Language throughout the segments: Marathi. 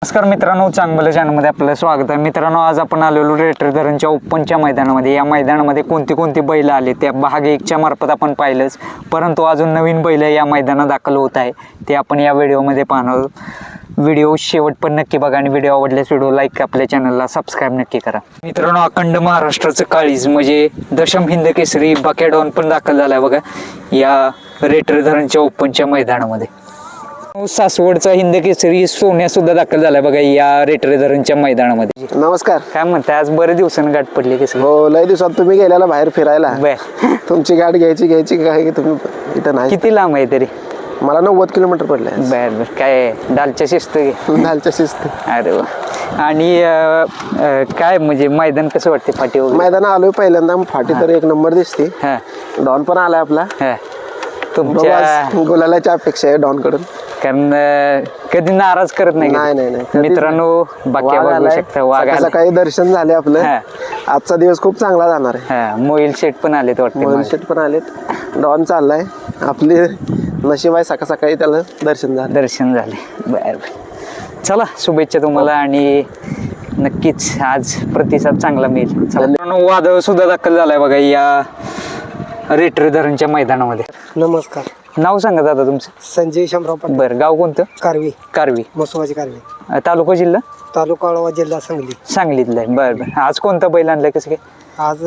नमस्कार मित्रांनो, चांगलं चॅनलमध्ये आपलं स्वागत आहे. मित्रांनो, आज आपण आलेलो रेटरे धरणच्या ओपनच्या मैदानामध्ये. या मैदानामध्ये कोणती बैल आले त्या भाग 1च्या मार्फत आपण पाहिलंच, परंतु अजून नवीन बैल या मैदानात दाखल होत आहे ते आपण या व्हिडिओमध्ये पाहणार आहोत. व्हिडिओ शेवट पण नक्की बघा आणि व्हिडिओ आवडल्यास व्हिडिओ लाईक, आपल्या चॅनलला सबस्क्राईब नक्की करा. मित्रांनो, अखंड महाराष्ट्राचं काळीज म्हणजे दशम हिंद केसरी बाक्या डॉन पण दाखल झालाय बघा या रेटरे धरणच्या ओपनच्या मैदानामध्ये. सासवडचा हिंद केसरी सोन्या सुद्धा दाखल झालाय बघा या रेटरे धरणच्या मैदानामध्ये. नमस्कार. काय म्हणताय, आज बरेच दिवसांनी गाठ पडली की? हो, लय दिवसात तुम्ही गेल्याला बाहेर फिरायला. बर, तुमची गाठ घ्यायची काय तुम्ही इथं नाही. किती लांब आहे तरी? मला 90 किलोमीटर पडले. बर बर, काय डालच्या शिस्त घे. दालच्या शिस्त. अरे वा. आणि काय म्हणजे मैदान कसं वाटते? फाटी वगैरे मैदान आलोय पहिल्यांदा, फाटी तर एक नंबर दिसते. हा डॉन पण आलाय आपला. हा, तुमच्या गुलालाची अपेक्षा आहे डॉन कडून, कारण कधी नाराज करत नाही. नाही. मित्रांनो, बाकी बघू शकता वाघ आला. सकाळी दर्शन झाले आपलं. आजचा दिवस खूप चांगला जाणार आहे. हा, मोईल शेट पण आलेत वाटते. मोहिल शेट पण आलेत. डॉन चाललाय. आपली नशीब आहे, सकाळी त्याला दर्शन झाले. बर, चला शुभेच्छा तुम्हाला आणि नक्कीच आज प्रतिसाद चांगला मिळेल. चला, वादळ सुद्धा दाखल झालाय बघा या रेटरे धरणच्या मैदानामध्ये. नमस्कार. नाव सांगा दादा तुमचं? संजय शामराव पाटील. बरं, गाव कोणतं? कारवी. मसोबाची कारवी. तालुका जिल्हा? तालुका वाळवा, जिल्हा सांगलीतलं आहे. बरं, आज कोणता बैल आणलाय कसं काय? आज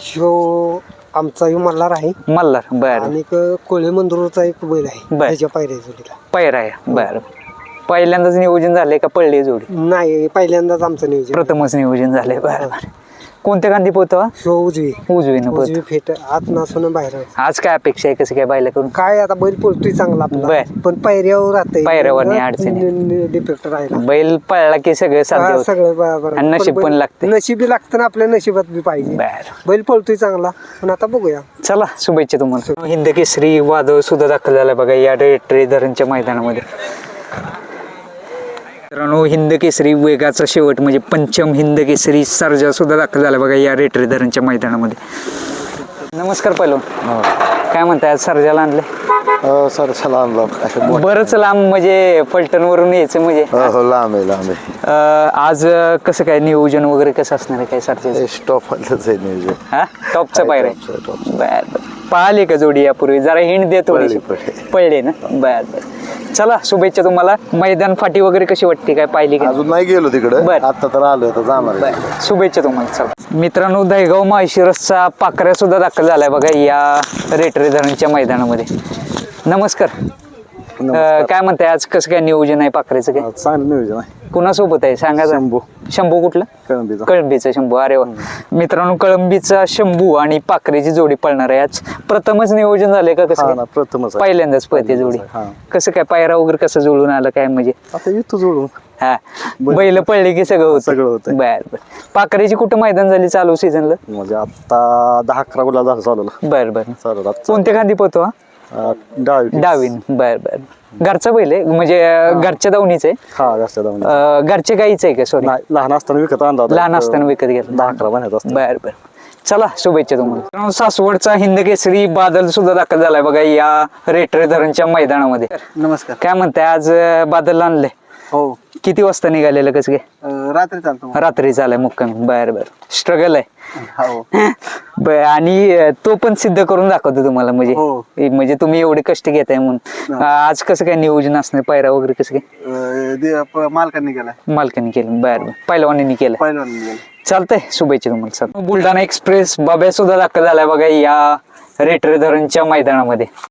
आमचा मल्हार आहे. मल्हार. बरं. आणि कोळी मंदुरचा एक बैल आहे. त्याच्या पायऱ्या जोडीला पैरा आहे. बरं, पहिल्यांदाच नियोजन झालंय का पडली जोडी? नाही, पहिल्यांदाच आमचं नियोजन. प्रथमच नियोजन झालंय. बरं. कोणत्या गांधी पोहतो? उजवी फेट आत नसून बाहेर. आज काय अपेक्षा आहे कसं काय बायला करून? काय आता बैल पळतोय चांगला आपला, पण पायऱ्यावर राहतंय. पायऱ्यावर अडचणी डिफेक्ट राहिला. बैल पळला की सगळं साध्य सगळं बरोबर. आणि नशीब पण लागते. नशीबी लागतं ना, आपल्या नशिबात बी पाहिजे. बैल पळतोय चांगला, पण आता बघूया. चला, शुभेच्छा तुम्हाला. हिंद केसरी वादळ सुद्धा दाखल झालाय बघा या रेटरे धरणच्या मैदानामध्ये. मित्रांनो, हिंद केसरी वेगाचा शेवट म्हणजे पंचम हिंद केसरी सर्जा सुद्धा दाखल झाला बघा या रेटरे धरणच्या मैदानामध्ये. नमस्कार पहिलवान. काय म्हणताय, आज सर्जाला आणलंय? सर चला आणलं. बरंच लांब म्हणजे फलटणवरून यायचं म्हणजे. लांब आहे. आज कसं काय नियोजन वगैरे कसं असणार आहे काय सर्जाचं? टॉपच आहे नियोजन. हा, टॉपचा पायऱ्या. बर, पाहिले का जोडी यापूर्वी? जरा हिंड दे थोडी. पडले ना. बर, चला शुभेच्छा तुम्हाला. मैदान फाटी वगैरे कशी वाटते, काय पाहिली का? अजून नाही गेलो तिकडे, आता तर आलोय, आता जाणार. शुभेच्छा तुम्हाला. चला मित्रांनो, दहेगाव माळशिरसचा पाकऱ्या सुद्धा दाखल झालाय बघा या रेटरे धरणच्या मैदानामध्ये. नमस्कार. काय म्हणताय, आज कसं काय नियोजन आहे पाकऱ्याचं? काय चांगलं नियोजन आहे. कुणासोबत आहे सांगा? शंभू कुठला? कळंबीचा शंभू. अरे वा. मित्रांनो, कळंबीचा शंभू आणि पाखरेची जोडी पळणार आहे. आज प्रथमच नियोजन झालंय का कसं? प्रथमच, पहिल्यांदाच पळते जोडी. कसं काय पायरा वगैरे कसं जुळून आलं काय म्हणजे? आता येतो जोडून. हा, बैल पडले की सगळं होतं. बर. पाखरेची कुठं मैदान झाली चालू सीझनला? म्हणजे आता 10-11 गुलाल झालं चालू. बर. कोणत्या गांधी पोहतो? डावीन. बर. घरचा बैल आहे म्हणजे घरच्या दावणीच आहे? घरच्या गाईचं आहे का? सॉरी, लहान असताना विकत आणला. लहान असताना विकत घेतला. 10-11 महिन्यात. बर. चला, शुभेच्छा तुम्हाला. सासवडचा हिंद केसरी बादल सुद्धा दाखल झालाय बघा या रेटरे धरणच्या मैदानामध्ये. नमस्कार. काय म्हणताय, आज बादल आणलंय? हो. किती वाजता निघालेलं कसं काय? रात्री चालतो. रात्री चालाय मुक्कामी. बर. स्ट्रगल आहे. हो. आणि तो पण सिद्ध करून दाखवतो तुम्हाला म्हणजे तुम्ही एवढे कष्ट घेताय म्हणून. आज कसं काय नियोजन असणार, पायरा वगैरे कसं काय? मालकांनी केलं. बर. पहिलवानींनी केलं. चालतंय, शुभेच्छा तुम्हाला. बुलढाणा एक्सप्रेस बाब्या सुद्धा दाखल झालाय बघा या रेटरे धरणच्या मैदानामध्ये.